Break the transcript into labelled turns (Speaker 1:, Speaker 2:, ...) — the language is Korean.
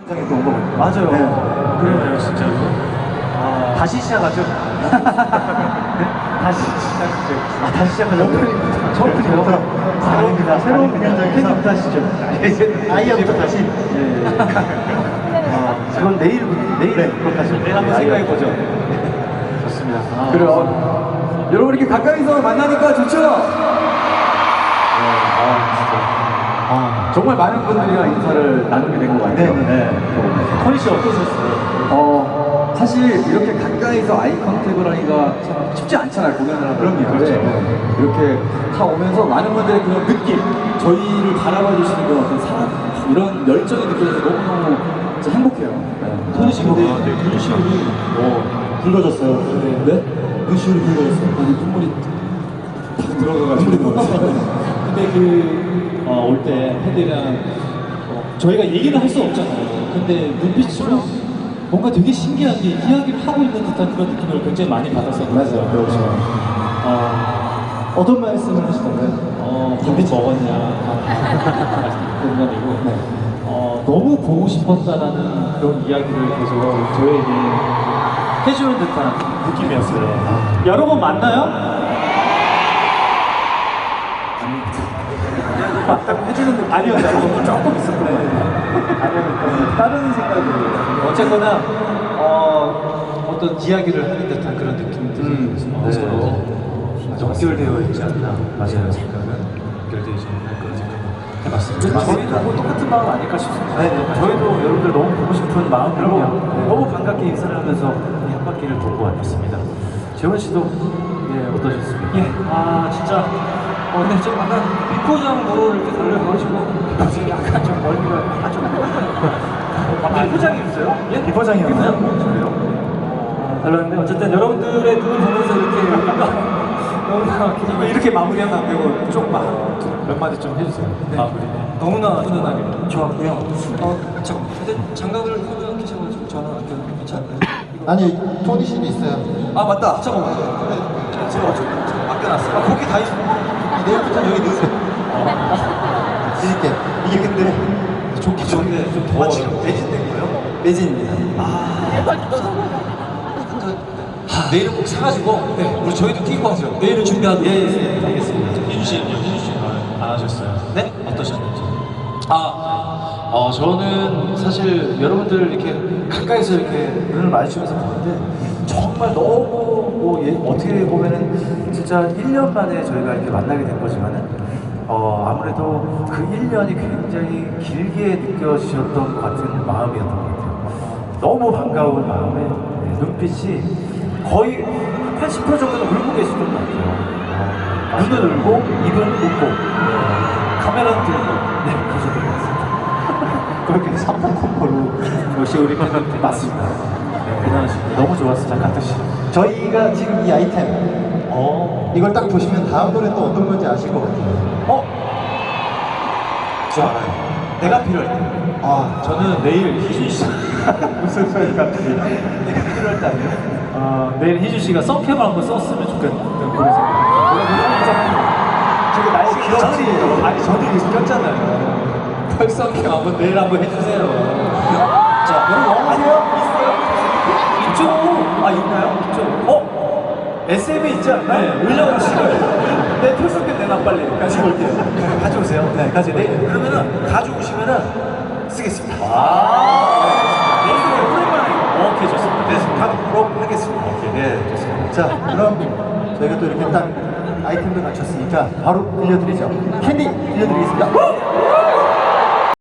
Speaker 1: 장에 또온 거거든요.
Speaker 2: 맞아요.
Speaker 1: 네.
Speaker 2: 그러네요, 진짜로. 아, 다시 시작하죠? 다시 시작하죠. 다시 시작하죠.
Speaker 1: 처음부터 아닙니다. 새로운 공연장에서
Speaker 2: 하시죠.
Speaker 1: 아이야부터 다시.
Speaker 2: 그건 내일 그것까지. 내일 한번 생각해보죠. 좋습니다.
Speaker 3: 그래요. 여러분 이렇게 가까이서 만나니까 좋죠? 정말 많은 분들이랑 인사를 나누게 된 것 같아요.
Speaker 1: 네.
Speaker 2: 토니 씨 어떠셨어요?
Speaker 3: 사실 이렇게 가까이서 아이 컨택을 하기가 참 쉽지 않잖아요, 공연을 하다
Speaker 1: 그럼요,
Speaker 3: 보면.
Speaker 1: 그렇죠.
Speaker 3: 이렇게 다 오면서 많은 분들의 그런 느낌, 저희를 바라봐 주시는 그런 어떤 사랑, 이런 열정이 느껴져서 너무너무 진짜 행복해요.
Speaker 1: 토니 씨 근데 눈시울이 붉어졌어요.
Speaker 3: 네?
Speaker 1: 눈시울이 붉어졌어요.
Speaker 3: 아니, 눈물이 탁 들어가가지고.
Speaker 1: 근데 올 때 팬들이랑 저희가 얘기를 할 수 없잖아요. 근데 눈빛으로 뭔가 되게 신기하게 이야기를 하고 있는 듯한 그런 느낌을 굉장히 많이 받았었는데. 맞아요, 그렇죠. 어떤 말씀을 하시던가요? 밥이 먹었냐? 농담이고. 너무 보고 싶었다라는 그런 이야기를 계속 저에게 해주는 듯한 느낌이었어요. 여러분 맞나요? 해주는 느낌 아니었어요. 조금 있었던 것 같아요. 아니었던 다른 생각으로 어쨌거나 어떤 이야기를 하는 듯한 그런 느낌들이 서로
Speaker 2: 연결되어 있지 않나. 맞아요. 생각은 연결되어 있지 않나 그런 생각을 해봤습니다. 저희도 뭐 똑같은 마음 아닐까 싶습니다. 저희도 여러분들 너무 보고 싶은 마음으로 너무 반갑게 인사를 하면서 이 한 바퀴를 돌고 왔습니다. 재원 씨도 어떠셨습니까?
Speaker 4: 진짜 근데 좀 약간 비포장으로 이렇게 달려가지고 지금 약간 좀 멀미가 비포장이었어요?
Speaker 2: 비포장이었나요?
Speaker 4: 그래요? 달랐는데 어쨌든 여러분들의 눈을 보면서 너무나 이렇게 마무리하면 안 되고
Speaker 2: 몇 마디 좀 해주세요. 마무리.
Speaker 4: 너무나 훈훈하게 좋았고요. 잠깐 근데 장갑을 하고 계셔가지고 저는 괜찮나요?
Speaker 1: 아니 토니 씨도 있어요.
Speaker 4: 맞다. 잠깐만. 제가 맡겨놨어요. 거기 다 있어.
Speaker 1: 내일부터 여기 넣으세요. 드릴게. 이게 근데
Speaker 4: 좋긴 좋은데 좀 더워. 지금 매진된 거예요?
Speaker 1: 매진입니다.
Speaker 4: 내일은 꼭 사가지고 우리 저희도 끼고 하죠. 내일은 준비하고. 알겠습니다. 희준 씨 안 하셨어요? 네? 어떠셨는지?
Speaker 2: 저는 사실 여러분들 이렇게 가까이서 이렇게 눈을 마주치면서 보는데 정말 너무 어떻게 보면은 진짜 1년 만에 저희가 이렇게 만나게 된 거지만은 아무래도 그 1년이 굉장히 길게 느껴지셨던 것 같은 마음이었던 것 같아요. 너무 반가운 마음에 눈빛이 거의 80% 정도는 울고 계시던 것 같아요. 눈을 울고 입은 웃고 카메라는 들고 계셨던 것 같습니다. 그렇게 3분 콤보로 역시 우리 팬들 맞습니다. 대단하십니다. 너무 좋았어요. 장가트 씨.
Speaker 1: 저희가 지금 이 아이템 이걸 딱 보시면 다음 노래 또 어떤 건지 아실 것 같아요.
Speaker 4: 저 알아요. 내가 필요할 때.
Speaker 2: 저는 내일 희준 씨.
Speaker 1: 무슨 소리가?
Speaker 2: 내가 필요할 때 아니에요? 내일 희준 씨가 썬캡을 한번 썼으면 좋겠는 그런 생각.
Speaker 4: 저게 나의 기억이
Speaker 2: 아니 저도 이거 꼈잖아요. 펄썬캡 한번 내일 한번 해주세요.
Speaker 4: 자, 여러분 원하세요?
Speaker 2: 있죠? 있나요? 있죠? SM에 있지 않나? 네, 올려오시면 내 펄썬캡 내놔 빨리. 가지고 올게요.
Speaker 4: 가져오세요. 네, 가져오세요. 그러면은 가져오시면은 쓰겠습니다.
Speaker 2: 내일 오랜만에. 오케이, 좋습니다.
Speaker 4: 네, 가도록 하겠습니다.
Speaker 2: 오케이, 네, 좋습니다.
Speaker 1: 자, 그럼 저희가 또 이렇게 딱 아이템도 갖췄으니까 바로 들려드리죠. 캔디 들려드리겠습니다.